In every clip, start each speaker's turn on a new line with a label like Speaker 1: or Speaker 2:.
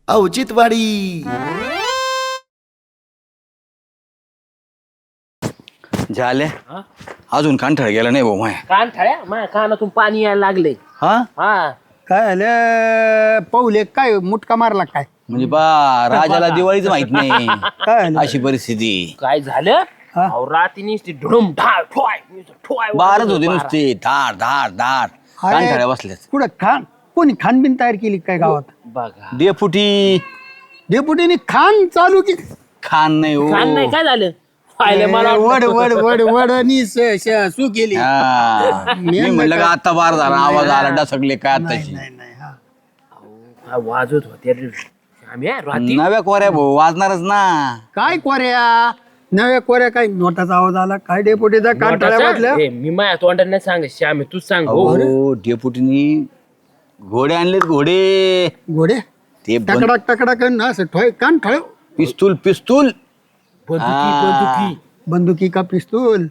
Speaker 1: औचित्यवाडी.
Speaker 2: झाले अजून कांठाळ गेला नाही भाऊ माया.
Speaker 3: कानठाळ्या माझ्या कानातून पाणी यायला लागले.
Speaker 2: हा
Speaker 3: हा
Speaker 4: काय झालं पाऊले काय मुटका मारला काय
Speaker 2: म्हणजे बा राजाला दिवाळीच माहित नाही
Speaker 4: काय झालं?
Speaker 2: अशी परिस्थिती.
Speaker 3: काय झालं
Speaker 4: हा?
Speaker 3: अहो, रात्री ती ढुम ढाळ ठोय ठोय
Speaker 2: बारच होते नुसते धाड धाड धाड
Speaker 4: अरे,
Speaker 2: कांठाळ्या बसल्यात.
Speaker 4: कुठं खान कोणी खानबीन तयार केली काय गावात
Speaker 3: बघा
Speaker 2: डेपुटी
Speaker 4: डेपुटीने खान चालू की
Speaker 2: खान नाही हो.
Speaker 3: कान नाही काय झालं पाहिलं मला
Speaker 4: वड वड वड वड आणि सू केली
Speaker 2: हा. मी म्हणलं का आता बार झाला आवाज आला डसकले काय आताची.
Speaker 4: नाही नाही हा.
Speaker 3: हा, वाजत होते रे. आम्ही रात्री
Speaker 2: नव्या कोऱ्या भाऊ वाजणारच ना.
Speaker 4: काय कोऱ्या नव्या कोऱ्या काय नोटाचा आवाज आला काय डेपुटीचा कांठाळ्या वाजल्या
Speaker 3: ए, मी माझ्या तोंडात नाही सांग श्यामे तूच सांग हो.
Speaker 2: हो डेपुटीनी घोडे आणलेत घोडे.
Speaker 4: घोडे
Speaker 2: ते
Speaker 4: टकडाक टकडाक आणि असं ठोय कान ठळ
Speaker 2: पिस्तूल पिस्तूल
Speaker 3: बंदुकी
Speaker 4: बंदुकी का पिस्तूल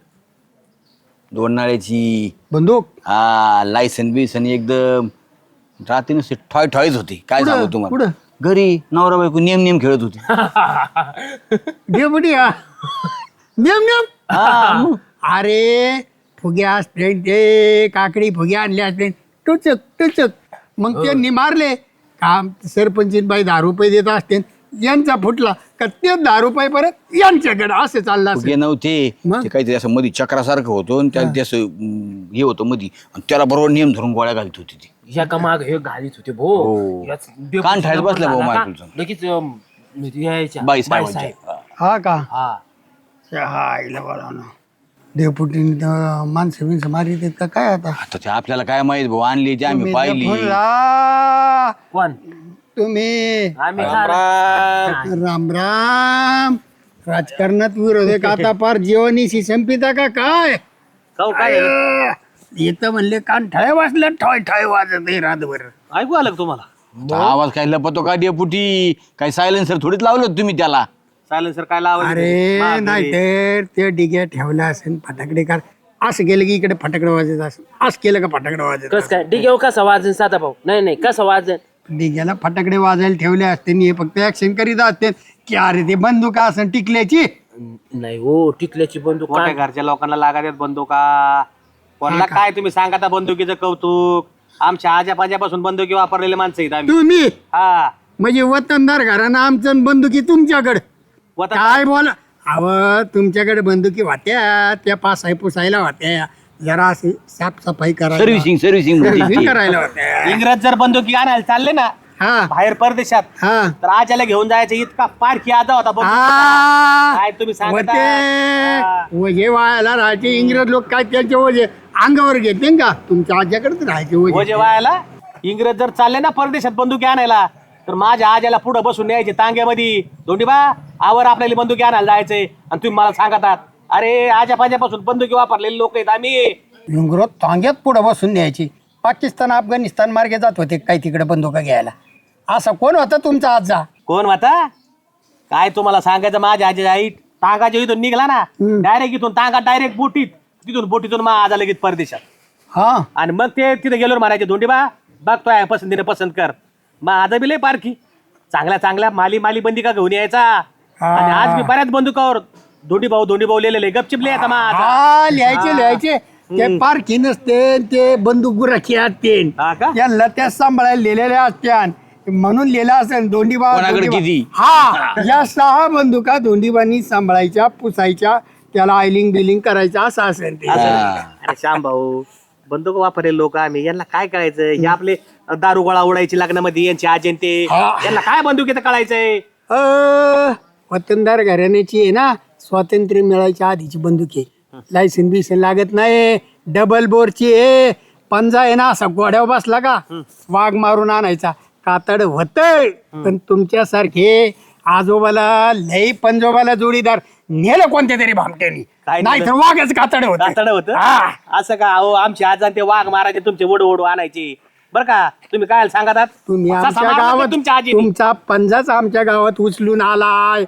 Speaker 2: दोन नाळ्याची
Speaker 4: बंदूक
Speaker 2: हा लायसन बिसन एकदम रात्री नुसते ठॉय ठॉयच होते. काय
Speaker 4: कुठं?
Speaker 2: सांगू तुम्हाला
Speaker 4: कुठं?
Speaker 2: घरी नवरा बायको नेम नेम खेळत होते.
Speaker 4: डेपुटी हा नेम नेम
Speaker 2: हा, मग.
Speaker 4: अरे फुग्या असते ते काकडी फुग्या आणल्या असते टुचक टुचक मग त्यांनी मारले काम सरपंचीन बाई 10 रुपये देत असते यांचा फुटला का ते 10 रुपये परत यांच्याकडे असं चाललं
Speaker 2: फुगे
Speaker 4: असं
Speaker 2: नव्हते
Speaker 4: मग?
Speaker 2: ते काहीतरी असं मध्ये चक्रासारखं होतं आणि त्याला ते असं हे होतं मध्ये आणि त्याला बरोबर नेम धरून गोळ्या घालत होती ती.
Speaker 3: ह्या का माग हे घालीत होते भो
Speaker 2: हो.
Speaker 3: याच डेपुटी
Speaker 2: कान ठायला बसला भाऊ
Speaker 3: झाला का?
Speaker 2: मायकुलचा.
Speaker 3: लगेच यायच्या
Speaker 2: बाई
Speaker 3: बाईसाहेब.
Speaker 2: साहेबांच्या.
Speaker 4: हा का
Speaker 3: हा
Speaker 4: हायला बरं ना डेपुटीने माणसं बिनसं मारी देत का काय आता
Speaker 2: आता ते आपल्याला काय माहित भाऊ आणली ती आम्ही
Speaker 4: तुम्ही
Speaker 2: पाहिली.
Speaker 4: फोन ला-
Speaker 3: कोण
Speaker 4: तुम्ही
Speaker 3: आम्ही
Speaker 4: राम राम राजकारणात विरोध आहे का आता पार जीवनीशी संपिता का काय
Speaker 3: काय
Speaker 4: येतं म्हणले कान ठळे वाजले ठॉय ठॉय वाजत आहे रातभर
Speaker 3: ऐकू आलं का तुम्हाला
Speaker 2: आवाज काय लपतो का डेपुटी काय सायलेन्सर थोडीच लावलं होतं तुम्ही त्याला.
Speaker 3: सायलेन्सर काय लावायचं
Speaker 4: अरे नाही तर ते डिग्या ठेवला असेल फटाकडे कार असं केलं की इकडे फटाकडे वाजत असं असं केलं का फटाकडे वाजत
Speaker 3: कस काय डिगेव कसा वाजन साधा भाऊ नाही नाही कसं वाजन
Speaker 4: डिग्याला फटाकडे वाजायला ठेवले असते आणि हे फक्त ऍक्शन करीत असते की अरे ते बंदूक असं टिकल्याची
Speaker 3: नाही हो टिकल्याची बंदूक
Speaker 5: मोठ्या घरच्या लोकांना लागत बंदुका कोणाला काय तुम्ही सांगा आता बंदुकीचं कौतुक आमच्या आजा पाजापासून बंदुकी वापरलेले माणसं आहेत आम्ही.
Speaker 4: तुम्ही
Speaker 5: हा
Speaker 4: म्हणजे वतनदार घरानं आमचं बंदुकी तुमच्याकडे
Speaker 5: वतन-
Speaker 4: काय बोला अव तुमच्याकडे बंदुकी वाट्या त्या पासाय पुसायला होत्या जरा अशी साफसफाई करायला
Speaker 2: सर्व्हिसिंग सर्व्हिसिंग
Speaker 4: सर्व्हिसिंग करायला होत्या
Speaker 5: इंग्रज जर बंदुकी आणायला चालले ना
Speaker 4: हा
Speaker 5: बाहेर परदेशात
Speaker 4: हा
Speaker 5: तर आजाला घेऊन जायचं इतका पारखी आजा होता
Speaker 4: हा.
Speaker 5: काय तुम्ही सांगता
Speaker 4: होते वजे वायाला राहायचे इंग्रज लोक काय त्यांचे वजे अंगावर घेते का तुमच्या आज्याकडेच राहायचे
Speaker 5: म्हणजे
Speaker 4: वजे
Speaker 5: वायाला इंग्रज जर चालले ना परदेशात बंदुकी आणायला तर माझ्या आजाला पुढे बसून न्यायचे तांग्यामध्ये दोंडीबा आवर आपल्याला बंदुकी आणायला जायचंय आणि तुम्ही मला सांगतात अरे आजा पाजापासून बंदुकी वापरलेले लोक आहेत आम्ही.
Speaker 4: इंग्रज तांग्यात पुढे बसून द्यायची पाकिस्तान अफगाणिस्तान मार्गे जात होते काय तिकडे बंदुका घ्यायला असं कोण होता तुमचा आजा
Speaker 5: कोण होता काय तुम्हाला सांगायचं माझ्या आजी आई तांगाच्या इथून निघला ना डायरेक्ट इथून तांगा डायरेक्ट बोटीत तिथून बोटीतून मग आजा लगेच परदेशात
Speaker 4: हा
Speaker 5: आणि मग ते तिथे गेलो म्हणायचे धोंडीबा बघतोय पसंतीने पसंत कर मग आजा बी लय पारखी चांगल्या चांगल्या माली बंदिका घेऊन यायचा आणि आज मी बऱ्याच बंदुकावर धोंडी भाऊ लिहिलेले गपचिप लिहायचा माझा
Speaker 4: हा लिहायचे ते पारखी नसते ते बंदूक गुराखी असते
Speaker 5: हा का?
Speaker 4: यांना त्या सांभाळायला लिहिलेल्या असत्या म्हणून लिहिला असेल दोंडीबा
Speaker 2: कोणाकडे किती?
Speaker 4: हा या 6 बंदुका दोंडीबानी सांभाळायच्या पुसायच्या त्याला आयलिंग बिलिंग करायचं असं असेल ते
Speaker 5: अरे श्याम भाऊ बंदूक वापरले लोक आम्ही यांना काय कळायचं हे आपले दारू गोळा उडायची लग्नामध्ये यांची आजंते यांना काय बंदुकीचं कळायचंय
Speaker 4: वतनदार घराण्याची आहे ना स्वातंत्र्य मिळायच्या आधीची बंदूक आहे लायसन बिसन लागत नाही डबल बोरची आहे पंजा आहे ना असा गोड्यावर बसला का वाघ मारून आणायचा कातड होतय पण तुमच्यासारखे आजोबाला लई पंजोबाला जोडीदार नेलं कोणत्या तरी भामट्यानी
Speaker 5: काय
Speaker 4: नाही तर वाघच कातड होत
Speaker 5: कातडं होतं असं का अहो आमची आजा ते वाघ मारायचे तुमचे ओढू आणायचे बरं का तुम्ही काय सांगतात
Speaker 4: तुम्ही
Speaker 5: असा
Speaker 4: आमच्या
Speaker 5: समाज होता
Speaker 4: गावात
Speaker 5: तुमच्या आजी
Speaker 4: तुमचा पंजाच आमच्या गावात उचलून आलाय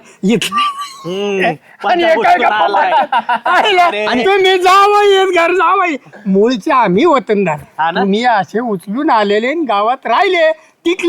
Speaker 4: आणि हे काय गप्पा मारता? आणि तुम्ही जावं येत घर जावं मूळचे आम्ही
Speaker 5: हा
Speaker 4: वतनदार
Speaker 5: ना?
Speaker 4: तुम्ही असे उचलून आलेले आणि गावात राहिले टिकले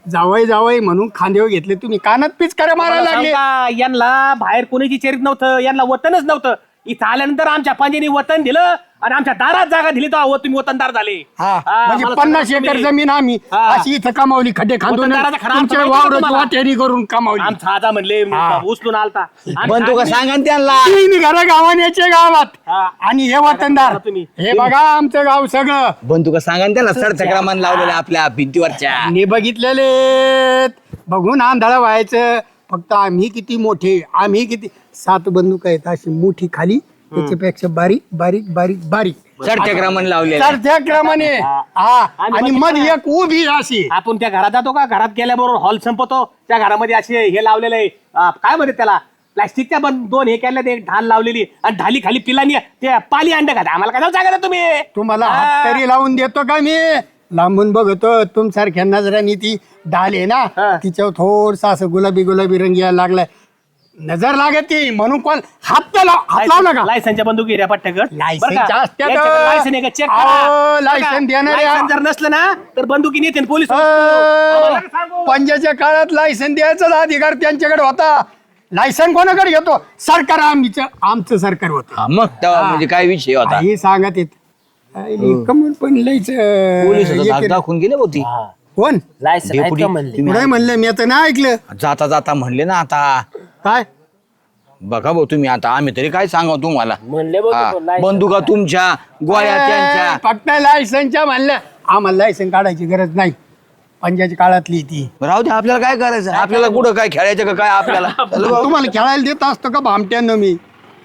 Speaker 4: जावई जावई म्हणून खांदेव घेतले तुम्ही कानात पिचकाऱ्या मारायला लागले.
Speaker 5: यांना बाहेर कोणीची चेरीत नव्हतं, यांना वतनच नव्हतं. इथं आल्यानंतर आमच्या पंजानी वतन दिलं आणि आमच्या दारात जागा दिली तर तुम्ही वतनदार झाले.
Speaker 4: हा
Speaker 5: हा,
Speaker 4: म्हणजे
Speaker 5: मला
Speaker 4: 50
Speaker 5: सांगा
Speaker 4: एकर
Speaker 5: तुम्ही.
Speaker 4: जमीन आम्ही
Speaker 5: हा.
Speaker 4: अशी इथं कमावली, खड्डे खांदून
Speaker 5: वतनदाराचा खरा अर्थ
Speaker 4: तुमच्या
Speaker 5: माहिती का
Speaker 4: वावराची
Speaker 5: तुम्हाला?
Speaker 4: वाटेरी करून कमावली.
Speaker 5: आमचा आजा म्हणले
Speaker 4: हा.
Speaker 5: उचलून आलता आणि
Speaker 2: बंधुका
Speaker 5: आम्ही-
Speaker 2: सांगा ना त्यांना.
Speaker 4: तीन घरं गावाण्याचे गावात
Speaker 5: हा.
Speaker 4: आणि हे वतनदार.
Speaker 5: तुम्ही.
Speaker 4: हे बघा आमचं गाव सगळं
Speaker 2: बंधुका सांगा ना त्यांना. सडचक्रामान लावलेल्या आपल्या भिंतीवरच्या.
Speaker 4: मी बघितलेले बघून आंधळा व्हायचं. फक्त आम्ही किती मोठे, आम्ही किती 7 बंदूक आहेत अशी मोठी खाली, त्याच्यापेक्षा बारीक बारीक बारीक बारीक
Speaker 2: सडचक्रामान लावलेल्या.
Speaker 4: तर त्या क्रमाने हा आणि मध्ये एक उभी अशी.
Speaker 5: आपण त्या घरात जातो का, घरात गेल्याबरोबर हॉल संपतो, त्या घरामध्ये असे हे लावलेलं आहे काय म्हणते त्याला, प्लास्टिकच्या 2 हे केल्या, एक ढाल लावलेली आणि ढाली खाली पिलानी ते पाली अंडे खात. आम्हाला काय सांगा तुम्ही.
Speaker 4: तुम्हाला
Speaker 5: हा.
Speaker 4: हात तरी लावून देतो का मी. लांबून बघतो तुमसारख्या नजरांनी ती ढाल आहे ना,
Speaker 5: हा.
Speaker 4: तिच्यावर थोडसा असं गुलाबी गुलाबी रंग यायला लागलाय, नजर लागत ती म्हणून कोण हात लावला का.
Speaker 5: लायसनच्या बंदुकी रे पट्ट्याकड
Speaker 4: लायसनच्या असत्यात.
Speaker 5: लायसन आहे का चेक
Speaker 4: अहो, लायसन देणारे.
Speaker 5: लायसन जर नसलं ना तर बंदुकी नेते पोलीस.
Speaker 4: पंजाच्या काळात लायसन द्यायचा अधिकार त्यांच्याकडे होता. लायसन कोणाकडे घेतो, सरकार आमचं सरकार होतं.
Speaker 2: हा, मग तेव्हा म्हणजे काय विषय होता.
Speaker 4: हे सांगत येत कमून पण लयच
Speaker 2: पोलीस धाक दाखवून गेले होती.
Speaker 4: कोण
Speaker 3: लायसन आहेत का म्हणले?
Speaker 4: पुढे म्हणलं मी आता नाही ऐकलं.
Speaker 2: जाता जाता म्हणले ना आता.
Speaker 4: काय
Speaker 2: बघा भाऊ तुम्ही आता, आम्ही तरी काय सांगा तुम्हाला.
Speaker 3: म्हणले बघ
Speaker 2: हा,
Speaker 3: तो लायसन.
Speaker 2: बंदुका तुमच्या, गोळ्या त्यांच्या.
Speaker 4: फक्त लायसनच्या म्हणलं, आम्हाला लायसन काढायची गरज नाही. पंजाच्या काळातली ती.
Speaker 2: राहू दे, आपल्याला काय करायचं, आपल्याला कुठं काय खेळायचं का काय आपल्याला. चल भाऊ.
Speaker 4: तुम्हाला खेळायला देत असतो का भामट्यानं मी.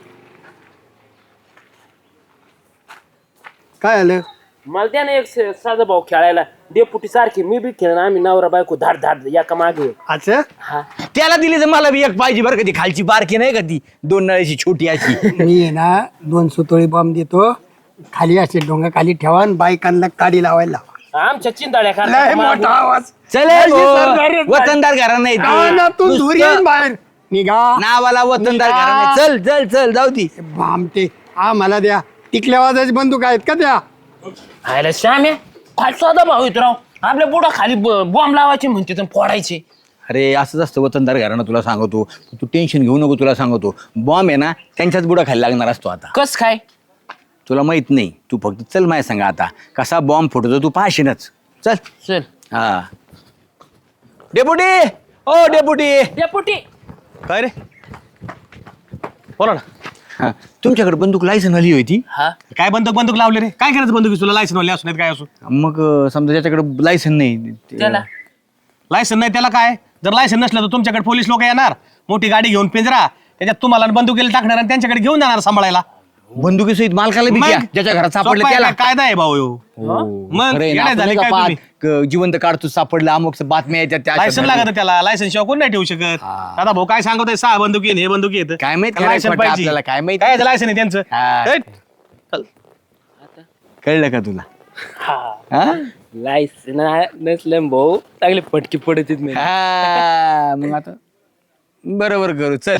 Speaker 4: काय आलं
Speaker 3: मला द्या ना एक साधा भाऊ खेळायला, डेपुटी सारखी मी बी खेळ, आम्ही नवरा बायको धाड धाड एका मागे.
Speaker 4: असं.
Speaker 3: हा
Speaker 2: त्याला दिली तर मला बी एक पाहिजे बरं का, ती खालची बारकी नाही का, ती 2 नळ्याची छोटी अशी.
Speaker 4: मी आहे ना 2 सुतोळी बॉम्ब देतो, खाली असे डोंगा खाली ठेवा आणि बायकांना काडी लावायला लावा.
Speaker 3: आमच्या चिंताड्या
Speaker 4: लय मोठा
Speaker 3: खाला
Speaker 4: आवाज.
Speaker 2: चल
Speaker 4: लय सरदार-
Speaker 2: वतनदार घरा नाही ते.
Speaker 4: कानातून धूर
Speaker 2: नुसतं
Speaker 4: येईन बाहेर. निघा
Speaker 2: नावाला वतनदार घरा नाही. चल चल चल जाऊ ती.
Speaker 4: भामटे आम्हाला द्या. टिकल्या वाजाची बंदूक आहेत का त्या.
Speaker 3: खायला श्याम्या फार साधा भाऊ येतो राव, आपल्या बुडा खाली बॉम्ब लावायचे म्हणते तर फोडायचे.
Speaker 2: अरे असंच असतं वतनदार घराणं, तुला सांगतो. तू टेन्शन घेऊ नको, तुला सांगतो. बॉम्ब आहे ना त्यांच्याच बुडा खाली लागणार असतो आता.
Speaker 3: कस काय
Speaker 2: तुला माहित नाही, तू फक्त चल माय सांगा आता कसा बॉम्ब फुटतो तू पाहशीनच. चल.
Speaker 3: चल
Speaker 2: हा डेपुटी, ओ डेपुटी.
Speaker 3: डेपुटी.
Speaker 5: काय रे, बोला ना.
Speaker 2: हा, तुमच्याकडे बंदूक लायसन आली होती.
Speaker 3: हा
Speaker 5: काय बंदूक लावले रे, काय करायचं बंदुकी तुला, लायसन वाले असून काय असू.
Speaker 2: मग समजा ज्याच्याकडे लायसन नाही
Speaker 3: त्याला
Speaker 5: लायसन नाही त्याला काय, जर लायसन नसलं तर तुमच्याकडे पोलीस लोक येणार, मोठी गाडी घेऊन पिंजरा, त्याच्यात तुम्हाला बंदुकीला टाकणार आणि त्यांच्याकडे घेऊन जाणार सांभाळायला.
Speaker 2: बंदुकीसहित मालकाला भीती आहे. ज्याच्या घरात सापडलं
Speaker 5: सोपं आहे
Speaker 2: त्याला.
Speaker 5: काय, कायदा आहे भाऊ ह्यो. मग
Speaker 2: खरं आहे ना,
Speaker 5: येडे
Speaker 2: आपण
Speaker 5: झाले
Speaker 2: नाही का
Speaker 5: काय तुम्ही?
Speaker 2: जिवंत काढतो सापडलं अमुक बातम्या येतात त्या
Speaker 5: लायसन
Speaker 2: अशा
Speaker 5: लागत त्याला, लायसन शिवाय कोण नाही ठेवू शकत. दादा भाऊ काय सांगतोय, 6 बंदुकी आणि हे बंदुकी येत,
Speaker 2: काय माहित,
Speaker 5: त्याला लायसन
Speaker 2: काय
Speaker 5: पाहिजे.
Speaker 2: आपल्याला काय माहित.
Speaker 5: काय लायसन आहे त्यांचं.
Speaker 2: हा.
Speaker 5: हेट. चल.
Speaker 2: कळलं का तुला. हा?
Speaker 3: लायसन नसलं भाऊ चांगले पटकी पडत नाही.
Speaker 2: हा, मग आता बरोबर करू चल.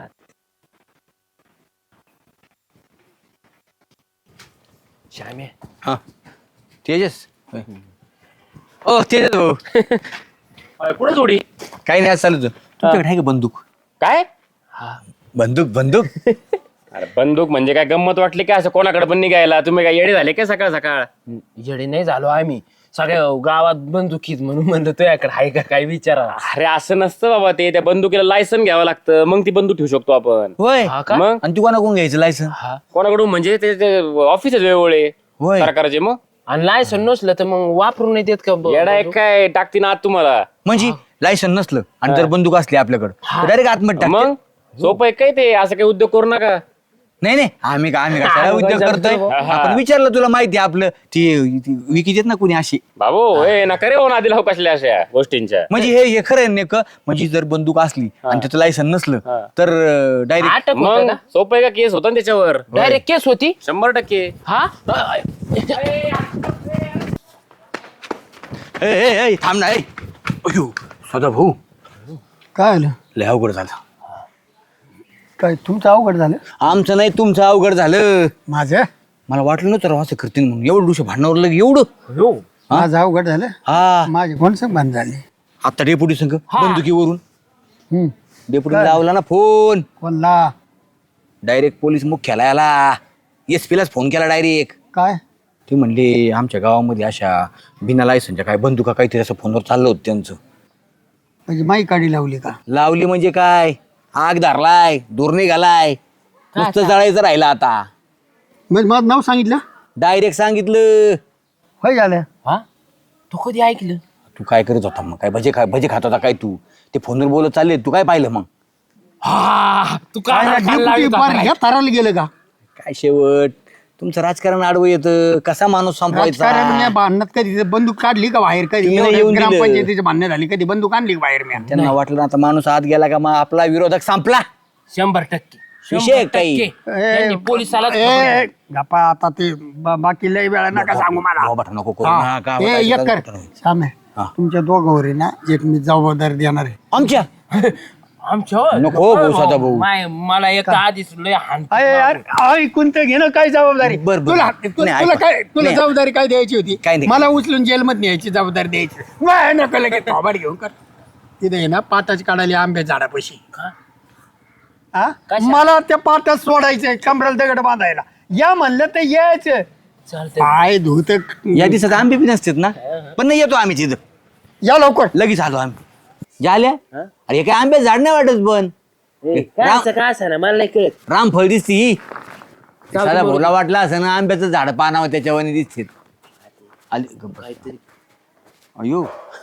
Speaker 3: श्याम्या
Speaker 2: हा तेजस. ओ तेजस भाऊ,
Speaker 3: कुठं जोडी
Speaker 2: काही नाही, आज चालू तुमच्याकडे आहे का बंदूक.
Speaker 3: काय
Speaker 2: बंदूक बंदूक.
Speaker 1: अरे बंदूक म्हणजे काय गंमत वाटली काय, असं कोणाकडे पण निघायला तुम्ही काय येडे झाले काय सकाळ सकाळ.
Speaker 3: येडे नाही झालो आम्ही, सगळ्या गावात बंदुकीत म्हणून म्हणलं तुझ्याकडे आहे का काय विचारा.
Speaker 1: अरे असं नसतं बाबा, ते त्या बंदुकीला लायसन घ्यावं लागतं, मग ती बंदूक ठेवू शकतो आपण.
Speaker 2: होय.
Speaker 3: हा का?
Speaker 1: मग
Speaker 2: आणि तू कोणाकडून घ्यायचं लायसन.
Speaker 1: कोणाकडून म्हणजे ते ऑफिसच वेगळे
Speaker 2: होय.
Speaker 1: सरकारचे. मग
Speaker 3: आणि लायसन नसलं तर मग वापरून नाही देत का
Speaker 1: येडा आहे काय, टाकती ना आत तुम्हाला.
Speaker 2: म्हणजे लायसन नसलं आणि जर बंदूक असली आपल्याकडे डायरेक्ट आतमध्ये टाक.
Speaker 1: मग सोपं आहे काय ते, असं काही उद्योग करू नका.
Speaker 2: नाही नाही, आम्ही कशाला उद्योग करतोय. आपण विचारलं, तुला माहिती आहे आपलं ती विकी देत ना कुणी अशी.
Speaker 1: बाबू हे नका रे, आधी लावू कसल्या अशा गोष्टींच्या.
Speaker 2: म्हणजे हे खरं आहे नेमकं. म्हणजे जर बंदूक असली आणि त्याचं लायसन नसलं तर डायरेक्ट.
Speaker 3: अटक होतं
Speaker 1: मग
Speaker 3: का?
Speaker 1: सोपं आहे का, केस होता ना त्याच्यावर.
Speaker 3: डायरेक्ट केस होती.
Speaker 1: 100%.
Speaker 3: हा
Speaker 2: थांब ना. अयो सदा भाऊ,
Speaker 4: काय आलं.
Speaker 2: लय अवघड झालं.
Speaker 4: काय तुमचं अवघड झालं.
Speaker 2: आमचं नाही, तुमचं अवघड झालं.
Speaker 4: माझं
Speaker 2: मला वाटलं नव्हतं राव असं करतील म्हणून. एवढं भांडणावर लगे एवढं.
Speaker 4: माझं अवघड झालं.
Speaker 2: हा
Speaker 4: माझे कोण संग बंद झाले.
Speaker 2: आता डेपुटी संघ
Speaker 3: हा.
Speaker 2: बंदुकीवरून
Speaker 4: हम्म.
Speaker 2: डेपुटी लावला ना फोन
Speaker 4: कोणला
Speaker 2: डायरेक्ट पोलीस मुख्यालयाला SP लाच फोन केला डायरेक्ट.
Speaker 4: काय
Speaker 2: ते म्हणले आमच्या गावामध्ये अशा बिना लायसनच्या काय बंदुका काहीतरी असं फोनवर चाललं होतं त्यांचं.
Speaker 4: म्हणजे माई काढी लावली का?
Speaker 2: लावली म्हणजे काय, आग धरलाय, दूर निघालाय, नुसतं जळायचं राहिलं आता.
Speaker 4: म्हणजे माझं नाव सांगितलं
Speaker 2: डायरेक्ट सांगितलं.
Speaker 4: होय झालं.
Speaker 3: हा तू कधी ऐकलं?
Speaker 2: तू काय करत होता मग, काय भजे खात होता काय तू? ते फोनवर बोलत चालले, तू काय पाहिलं मग?
Speaker 3: हा तू
Speaker 4: काय डेपुटी पार ह्या थराला गेलं का?
Speaker 2: काय शेवट तुमचं राजकारण आडवं येतं, कसा माणूस संपवायचा.
Speaker 4: राजकारण भांडणात कधी बंदूक काढली का बाहेर? कधी
Speaker 2: तुम्ही नाही
Speaker 4: एवढ्या
Speaker 2: येऊन दिलं.
Speaker 4: ग्रामपंचायतीचे भांडणं झाली कधी बंदूक आणली का बाहेर? मी
Speaker 2: त्यांना वाटलं ना आता माणूस आत गेला का मग आपला विरोधक संपला.
Speaker 3: 100%.
Speaker 2: विषय काही.
Speaker 3: 100%. त्यांनी पोलिसाला
Speaker 4: गप्पा आता ते बाकी लय वेळा नका सांगू मला.
Speaker 2: बाबा नको करू
Speaker 4: हा.
Speaker 2: नका,
Speaker 4: ए,
Speaker 2: काय
Speaker 4: एक कर
Speaker 2: करता नाही.
Speaker 4: श्याम आहे.
Speaker 2: हा.
Speaker 4: तुमच्या दोघांवर आहे ना एक मी जबाबदारी देणार आहे.
Speaker 2: आमच्या
Speaker 3: आमच्या
Speaker 2: नको भाऊ, सदा भाऊ.
Speaker 3: मला एक आधीच लय हाण
Speaker 4: अरे यार ऐकून तर घेणं काय जबाबदारी?
Speaker 2: बरं.
Speaker 4: तुला
Speaker 2: नाही,
Speaker 4: तुला
Speaker 2: ऐका.
Speaker 4: काय तुला
Speaker 2: नाही.
Speaker 4: जबाबदारी काय द्यायची होती?
Speaker 2: काय नाही.
Speaker 4: मला उचलून जेलमध्ये न्यायची जबाबदारी द्यायची. नाही, नको लगेच थोबाड घेऊन कर. तिथे आहे ना पाताच काढायला आंब्या झाडापाशी. हा?
Speaker 3: कशा?
Speaker 4: मला त्या पाटात सोडायचंय कमराला दगड बांधायला. या म्हणलं तर यायचं.
Speaker 3: चालतंय.
Speaker 4: पाय धुत
Speaker 2: या दिवसात आंबे बी नसतात ना, पण नाही येतो आम्ही तिथं
Speaker 4: या लवकर.
Speaker 2: लगेच आलो आम्ही. झाल्या अरे हे काय आंबे झाड नाही वाटत पण
Speaker 3: काय असं ना मला नाही कळत.
Speaker 2: रामफळ दिसती ही. साधा भोला वाटला असं ना आंब्याचं झाड पानावं त्याच्यावर दिसते. आली
Speaker 3: काहीतरी
Speaker 2: अयो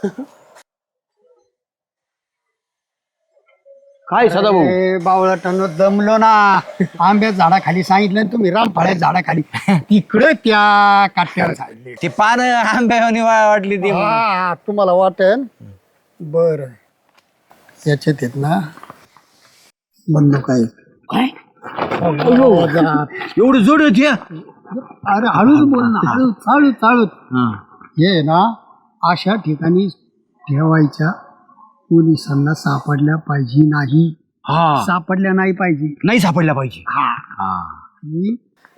Speaker 2: काय सदा भाऊ
Speaker 4: बावळाटानं दमलो ना. आंब्या झाडाखाली सांगितलं आणि तुम्ही रामफळ्या झाडाखाली तिकडे त्या काट्यावर झाडले.
Speaker 2: ते पान आंब्यावानी वाटली ती.
Speaker 4: हा, तुम्हाला वाटेल बर याच्यात येत ना बंदूक आहे.
Speaker 3: काय
Speaker 2: एवढं जोड होती हा?
Speaker 4: अरे हळूच बोल ना, हळूच हळूच हळूच. हे ना अशा ठिकाणी ठेवायच्या पोलिसांना सापडल्या पाहिजे नाही.
Speaker 2: हा
Speaker 4: सापडल्या नाही पाहिजे.
Speaker 2: नाही सापडला पाहिजे.
Speaker 4: आणि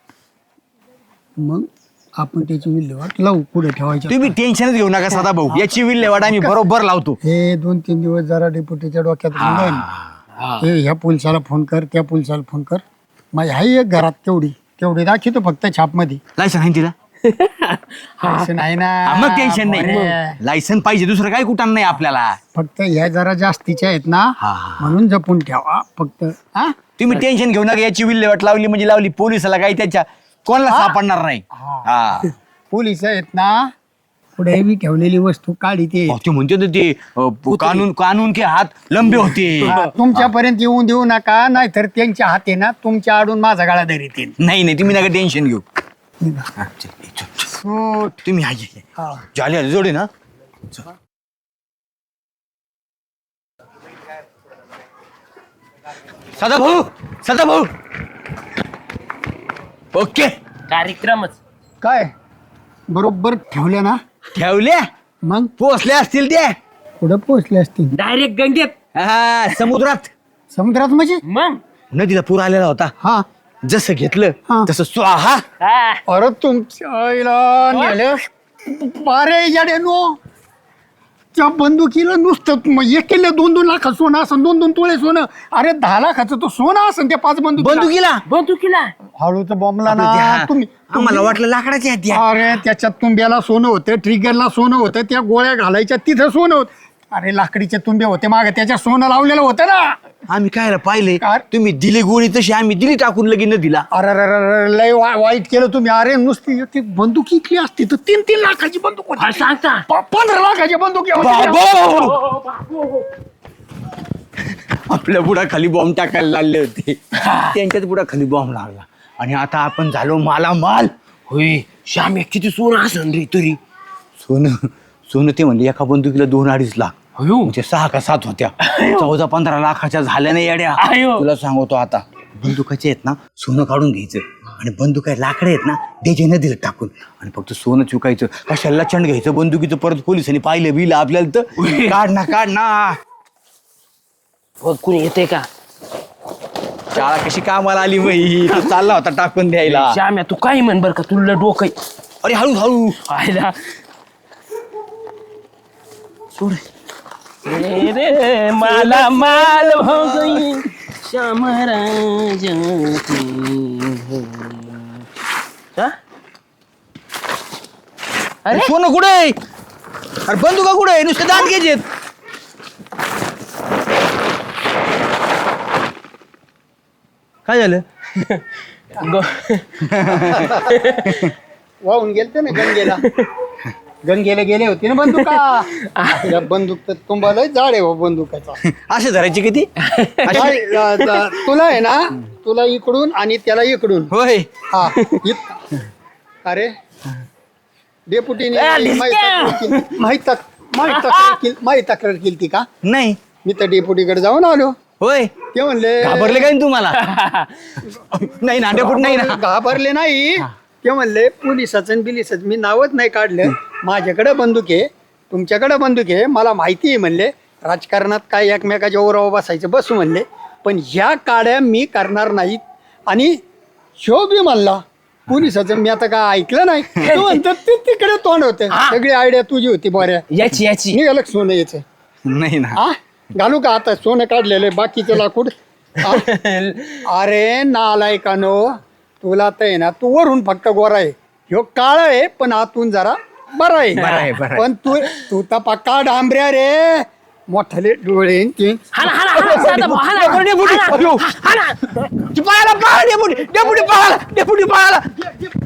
Speaker 4: मग आपण त्याची विल्हेवाट लावू पुढे ठेवायच्या.
Speaker 2: तुम्ही टेन्शनच घेऊ नका सदा भाऊ, याची विल्हेवाट आम्ही बरोबर लावतो.
Speaker 4: हे 2-3 दिवस जरा डेप्युटीच्या डोक्यात घालून हे ह्या पोलिसाला फोन कर त्या पोलिसाला फोन कर. माझी आहे एक घरात तेवढी दाखवतो फक्त छापमध्ये.
Speaker 2: लायसन आहे तिला?
Speaker 4: असं नाही ना.
Speaker 2: मग टेन्शन नाही.
Speaker 4: बरं.
Speaker 2: लायसन पाहिजे, दुसरं काय कुठं नाही आपल्याला.
Speaker 4: फक्त ह्या जरा जास्तीच्या आहेत ना
Speaker 2: हा.
Speaker 4: म्हणून जपून ठेवा फक्त. हा
Speaker 2: तुम्ही टेन्शन घेऊ नका, याची विल्हेवाट लावली म्हणजे लावली. पोलिसाला काही त्याच्या कोणाला सापडणार नाही. हा
Speaker 4: पोलिस आहेत ना पुढे बी ठेवलेली वस्तू काढी ते
Speaker 2: ते म्हणते ना ते कानून के हात लंबे होते.
Speaker 4: तुमच्यापर्यंत येऊन देऊ नका, नाहीतर त्यांच्या हाते ना तुमच्या आडून माझा गाळा धरीत येईल.
Speaker 2: नाही तुम्ही नका टेन्शन घेऊ. हा, चल, चल, चल. तुम्ही झाले जोडे ना. सदा भाऊ ओके.
Speaker 3: कार्यक्रमच
Speaker 4: काय बरोबर ठेवल्या ना
Speaker 2: ठेवल्या
Speaker 4: मग
Speaker 2: पोचल्या असतील त्या.
Speaker 4: पुढे पोहोचले असतील
Speaker 3: डायरेक्ट गंगेत.
Speaker 2: हा, समुद्रात.
Speaker 4: समुद्रात म्हणजे
Speaker 3: मग
Speaker 2: नदीला पूर आलेला होता,
Speaker 4: हा.
Speaker 2: जसं घेतलं
Speaker 4: हा.
Speaker 2: तसं स्वाहा.
Speaker 3: हा.
Speaker 4: अरे तुमच्या आईला नेलं. अरे याड्यानो त्या बंदुकीला नुसतं एक केलं 2-2 लाख सोनं असं 2-2 तोळे सोनं. अरे 10 लाखाचं तो सोनं असं त्या 5
Speaker 2: बंदुकीला
Speaker 3: बंदुकीला
Speaker 4: हळूच बॉम्बला
Speaker 2: आपलं
Speaker 4: ना
Speaker 2: त्या-
Speaker 4: तुम्ही.
Speaker 2: आम्हाला वाटलं लाकडाच्या आहेत त्या.
Speaker 4: अरे त्याच्यात तुंब्याला सोनं होतं, ट्रिगरला सोनं होतं, त्या गोळ्या घालायच्या तिथं सोनं होतं. अरे लाकडीचे तुंबे होते मागे त्याच्या सोनं लावलेलं होतं ना.
Speaker 2: आम्ही काय पाहिले,
Speaker 4: काय?
Speaker 2: तुम्ही दिली गोळी तशी आम्ही दिली टाकून लगीन दिला.
Speaker 4: अरे लय वाईट केलं तुम्ही. अरे नुसती एक एक बंदूक इकली असती तर 3-3 लाखाची बंदूक होती.
Speaker 3: हा, सांगता
Speaker 4: 15 लाखाची बंदूक
Speaker 2: आपल्या बुडाखाली बॉम्ब टाकायला लागले होते, त्यांच्याच बुडाखाली बॉम्ब लागला आणि आता आपण झालो मालामाल.
Speaker 3: होय श्याम किती सोनं असन रे तरी.
Speaker 2: सोनं ते म्हणले एका बंदुकीला 2-2.5 लाख.
Speaker 3: अयो
Speaker 2: म्हणजे 6 का 7 होत्या. 14-15 लाखाच्या झाल्या नाही येड्या.
Speaker 3: अयो.
Speaker 2: तुला सांगतो आता बंदुकाचे आहेत ना सोनं काढून घ्यायचं आणि बंदुका लाकडं आहेत ना त्याच्या नदीला टाकून आणि फक्त सोनं चुकायचं. कशाला चंड घ्यायचं बंदुकीचं. परत पोलिसांनी पाहिलं बिलं आपल्याला तर काढ ना.
Speaker 3: बघ कुणी येते का?
Speaker 2: शाळा कशी कामाला आली बाई. तो चालला होता टाकून द्यायला.
Speaker 3: श्याम्या तू काही म्हण बर का, तुला डोकं आहे.
Speaker 2: अरे हळू
Speaker 3: आयला
Speaker 2: सोड.
Speaker 3: रे माला माल हो गई श्याम राज अरे
Speaker 2: सोनं कुठे आहे? अरे बंदुका कुठे आहे? नुसते दात घ्यायचे काय झालं?
Speaker 4: वाहून गेलते ना गंगेला गेले होते ना बंदुका बंदूक तर तुम्हाला जाड आहे हो बंदुकाचा
Speaker 2: असे धरायचे किती?
Speaker 4: तुला आहे ना तुला इकडून आणि त्याला इकडून
Speaker 2: होय.
Speaker 4: हा अरे डेपुटीने माही तक्रार केली ती का?
Speaker 2: नाही.
Speaker 4: मी तर डेपुटीकडे जाऊन आलो.
Speaker 2: होय.
Speaker 4: ते म्हणले
Speaker 2: घाबरले काय तुम्हाला? नाही ना डेपुट नाही ना.
Speaker 4: घाबरले नाही. ते म्हणले पोलिसाचं बिलिसाच मी नावच नाही काढलं. माझ्याकडे बंदूक आहे, तुमच्याकडे बंदूक आहे, मला माहिती आहे म्हणले. राजकारणात काय एकमेकाच्या ओरावर बसायचं बसू म्हणले, पण ह्या काड्या मी करणार नाहीत. आणि शो बी म्हणला पोलिसाचं मी आता काय ऐकलं नाही. तो म्हणतो ते तिकडे तोंड होते. सगळी आयडिया तुझी होती बऱ्या.
Speaker 3: याची
Speaker 4: निघालं सोनं यायचं.
Speaker 2: नाही ना.
Speaker 4: हा घालू का आता सोनं काढलेलं आहे बाकीचं लाकूड? हा? अरे नालायकानो, तुला तर आहे ना तू वरून फक्त गोरा आहे, ह्यो काळा आहे पण आतून जरा बरा आहे.
Speaker 2: बरा आहे, बरा आहे.
Speaker 4: पण तू तर पक्का डांबऱ्या रे, मोठाले डोळे आणि ते.
Speaker 2: डेपुटी पळाला, डेपुटी पळाला.